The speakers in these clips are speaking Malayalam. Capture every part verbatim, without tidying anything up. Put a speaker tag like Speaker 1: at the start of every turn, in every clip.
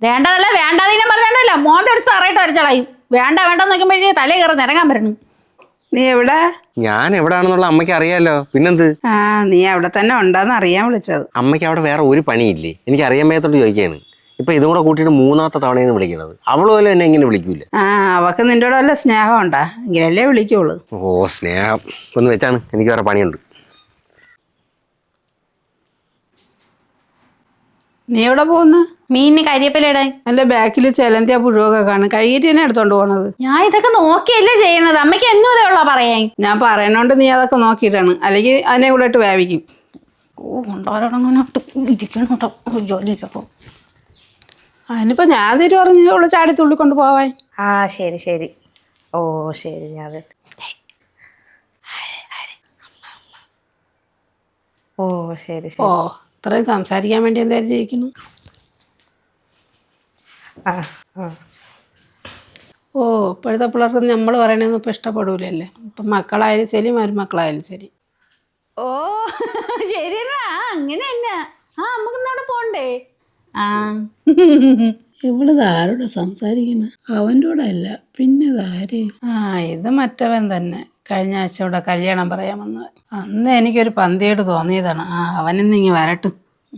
Speaker 1: വേണ്ടതല്ല വേണ്ടാതീനം പറഞ്ഞാണ്ടല്ല മോന്റെ അടുത്ത് തറയിട്ട് വരച്ചളയും. വേണ്ട വേണ്ടെന്ന് നോക്കുമ്പോഴേ തലേ കയറി നിരങ്ങാൻ വരണം.
Speaker 2: നീ എവിടെ?
Speaker 3: ഞാൻ എവിടാണെന്നുള്ള അമ്മയ്ക്ക് അറിയാലോ, പിന്നെന്ത്?
Speaker 2: ആ നീ അവിടെ തന്നെ ഉണ്ടാന്ന് അറിയാൻ വിളിച്ചത്.
Speaker 3: അമ്മയ്ക്ക് അവിടെ വേറെ ഒരു പണിയില്ലേ? എനിക്ക് അറിയാൻ മേത്തോട്ട് ചോദിക്കുകയാണ്. ഇപ്പൊ ഇതും കൂടെ കൂട്ടിയിട്ട് മൂന്നാമത്തെ തവണയെന്ന് വിളിക്കണത്. അവള് പോലും എന്നെ ഇങ്ങനെ വിളിക്കൂല.
Speaker 2: ആ അവക്ക് നിന്റെ വല്ല സ്നേഹം ഉണ്ടാ എങ്കിലല്ലേ വിളിക്കുള്ളൂ.
Speaker 3: ഓ സ്നേഹം ഒന്ന് വെച്ചാണ്, എനിക്ക് വേറെ പണിയുണ്ട്.
Speaker 2: നീ എവിടെ പോകുന്നു?
Speaker 1: മീനിന് കരിയപ്പലിടാൻ.
Speaker 2: എന്റെ ബാക്കിൽ ചെലന്തിയ പുഴുവൊക്കെ കാണും. കഴുകിട്ട് തന്നെ എടുത്തോണ്ട് പോണത്.
Speaker 1: ഞാൻ ഇതൊക്കെ നോക്കിയല്ലേ ചെയ്യണത്. അമ്മയ്ക്ക് എന്നും ഇതേ ഉള്ള പറയാൻ.
Speaker 2: ഞാൻ പറയണോണ്ട് നീ അതൊക്കെ നോക്കിയിട്ടാണ്, അല്ലെങ്കിൽ അതിനെ കൂടെ ഇട്ട് വേവിക്കും.
Speaker 1: ഓ കൊണ്ടോരങ്ങനെ ഇരിക്കണം കേട്ടോ ജോലി ചെയ്തപ്പോ.
Speaker 2: അതിനിപ്പോ ഞാൻ തിരി പറഞ്ഞു അവള് ചാടി തുള്ളിക്കൊണ്ട് പോവാൻ.
Speaker 4: ആ ശരി ശരി. ഓ ശരി. ഞാൻ ഓ ശരി
Speaker 2: ഓ
Speaker 4: ശരി.
Speaker 2: ഇത്രയും സംസാരിക്കാൻ വേണ്ടി എന്തായാലും ജയിക്കുന്നു.
Speaker 4: ആ ആ
Speaker 2: ഓ ഇപ്പോഴത്തെ പിള്ളേർക്ക് നമ്മൾ പറയണതൊന്നും ഇപ്പം ഇഷ്ടപ്പെടൂലല്ലേ. ഇപ്പം മക്കളായാലും ശരി മരുമക്കളായാലും ശരി.
Speaker 1: ഓ ശരിയാ അങ്ങനെ തന്നെ. ആ നമുക്ക് ഇന്നവിടെ പോണ്ടേ? ആ
Speaker 2: ഇവള് ആരോടെ സംസാരിക്കണ? അവൻ്റെ കൂടെ അല്ല പിന്നെ ഇതാര്? ആ ഇത് മറ്റവൻ തന്നെ. കഴിഞ്ഞ ആഴ്ച ഇവിടെ കല്യാണം പറയാൻ വന്നവൻ. അന്ന് എനിക്കൊരു പന്തിയോട് തോന്നിയതാണ്. ആ അവനിന്ന് ഇങ്ങ് വരട്ടും.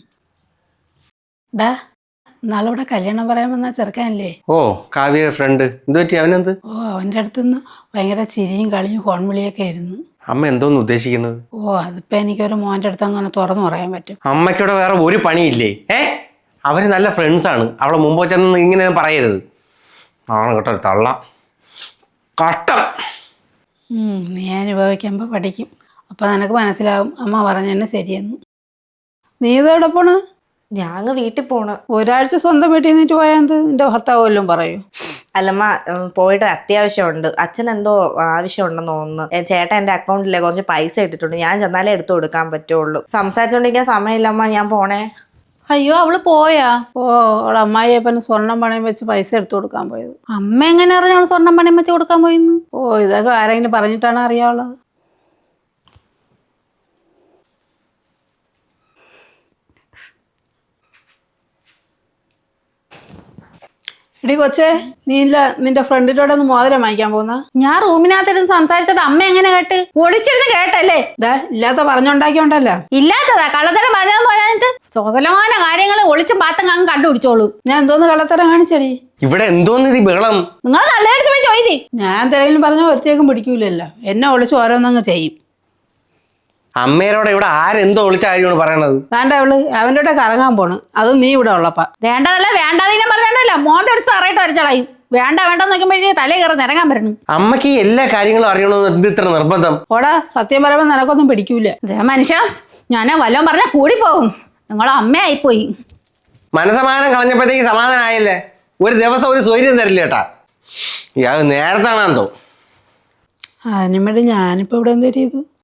Speaker 2: ഡാ നാളിവിടെ കല്യാണം പറയാൻ വന്ന ചെറുക്കാനല്ലേ?
Speaker 3: ഓ കാവ്യ ഫ്രണ്ട്. എന്ത് പറ്റി? അവനെന്ത്?
Speaker 2: ഓ അവൻ്റെ അടുത്തുനിന്ന് ഭയങ്കര ചിരിയും കളിയും ഫോൺ വിളിയൊക്കെ ആയിരുന്നു.
Speaker 3: അമ്മ എന്തോന്ന് ഉദ്ദേശിക്കുന്നത്?
Speaker 2: ഓ അതിപ്പോ എനിക്കൊരു മോൻ്റെ അടുത്ത് അങ്ങനെ തുറന്നു പറയാൻ പറ്റും?
Speaker 3: അമ്മയ്ക്കിവിടെ വേറെ ഒരു പണിയില്ലേ? ഏ അവര് നല്ല ഫ്രണ്ട്സാണ്. അവളെ മുമ്പ് ചെന്ന് ഇങ്ങനെ പറയരുത്. ആണ് കേട്ടോ തള്ള കട്ടം.
Speaker 2: നീ അനുഭവിക്കുമ്പോൾ പഠിക്കും. അപ്പം നിനക്ക് മനസ്സിലാവും അമ്മ പറഞ്ഞതന്നെ ശരിയെന്ന്. നീ ഇതെവിടെ പോണ്?
Speaker 4: ഞാൻ അങ്ങ് വീട്ടിൽ പോണ്.
Speaker 2: ഒരാഴ്ച സ്വന്തം വീട്ടിൽ നിന്നിട്ട് പോയാൽ നിന്റെ ഭർത്താവ് വല്ലതും പറയൂ?
Speaker 4: അല്ലമ്മ പോയിട്ട് അത്യാവശ്യമുണ്ട്. അച്ഛൻ എന്തോ ആവശ്യമുണ്ടെന്ന് തോന്നുന്നു. ചേട്ടൻ എൻ്റെ അക്കൗണ്ടിലെ കുറച്ച് പൈസ ഇട്ടിട്ടുണ്ട്. ഞാൻ ചെന്നാലേ എടുത്തു കൊടുക്കാൻ പറ്റുള്ളൂ. സംസാരിച്ചുകൊണ്ടിരിക്കാൻ സമയമില്ലമ്മ, ഞാൻ പോണേ.
Speaker 1: അയ്യോ അവള് പോയാ?
Speaker 2: ഓ അവളെ അമ്മായിയപ്പന് സ്വർണം പണയം വെച്ച് പൈസ എടുത്തു കൊടുക്കാൻ പോയത്.
Speaker 1: അമ്മ എങ്ങനെ അറിഞ്ഞ സ്വർണ്ണം പണയം വെച്ച് കൊടുക്കാൻ പോയിന്ന്?
Speaker 2: ഓ ഇതൊക്കെ ആരെങ്കിലും പറഞ്ഞിട്ടാണ് അറിയാവുള്ളത്. എടി കൊച്ചേ, നീ ഇല്ല നിന്റെ ഫ്രണ്ടിനോട് ഒന്ന് മോതിരം വാങ്ങിക്കാൻ പോകുന്ന?
Speaker 1: ഞാൻ റൂമിനകത്തിരുന്ന് സംസാരിച്ചത് അമ്മ എങ്ങനെ കേട്ട്? ഒളിച്ചിരുന്ന് കേട്ടല്ലേ?
Speaker 2: ഇതാ ഇല്ലാത്ത പറഞ്ഞുണ്ടാക്കിയോണ്ടല്ലോ.
Speaker 1: ഇല്ലാത്തതാ കള്ളത്തരം പറഞ്ഞെന്ന് പറയാനിട്ട് സകലമാന കാര്യങ്ങൾ ഒളിച്ചും പാത്തും അങ്ങ് കണ്ടുപിടിച്ചോളൂ.
Speaker 2: ഞാൻ എന്തോന്ന് കള്ളത്തരം കാണിച്ചടി?
Speaker 3: ഇവിടെ എന്തോന്ന് ഇത് ബഹളം?
Speaker 1: നിങ്ങൾ നല്ലതായിട്ട് പോയി ചോദിച്ചേ.
Speaker 2: ഞാൻ എന്തെങ്കിലും പറഞ്ഞാൽ ഒരുത്തേക്കും പിടിക്കൂലല്ലോ. എന്നെ ഒളിച്ച് ഓരോന്നങ്ങ് ചെയ്യും.
Speaker 3: അമ്മേരോടെ ഇവിടെ ആരെന്തോ വിളിച്ച കാര്യമാണ് പറയണത്?
Speaker 2: വേണ്ട അവള് അവൻ്റെ കൂടെ കറങ്ങാൻ പോണ്. അതും നീ ഇവിടെ ഉള്ളപ്പ.
Speaker 1: വേണ്ടതല്ല വേണ്ടാതീനം പറഞ്ഞാണ്ടല്ല മോന്റെ അടുത്ത് തറയിട്ട് വരച്ചളയും. വേണ്ട വേണ്ടെന്ന് നോക്കുമ്പോഴേ തലേ കയറി നിരങ്ങാൻ വരണം.
Speaker 3: അമ്മയ്ക്ക് ഈ എല്ലാ കാര്യങ്ങളും അറിയണമെന്ന് എന്ത് ഇത്ര നിർബന്ധം?
Speaker 2: ഓടാ സത്യം പറയുമ്പോൾ നിനക്കൊന്നും പിടിക്കൂല.
Speaker 1: മനുഷ്യ ഞാൻ വല്ലതും പറഞ്ഞാൽ കൂടി പോകും. നിങ്ങൾ അമ്മയായിപ്പോയി.
Speaker 3: മനസമാധാനം കളഞ്ഞപ്പോഴത്തേക്ക് സമാധാനമായില്ലേ? ഒരു ദിവസം ഒരു സ്വൈര്യം തരില്ല കേട്ടാ. ഇയാൾ നേരത്താണെന്തോ.
Speaker 2: അതിനും വേണ്ടി ഞാനിപ്പോ ഇവിടെ എന്ത് ചെയ്തു?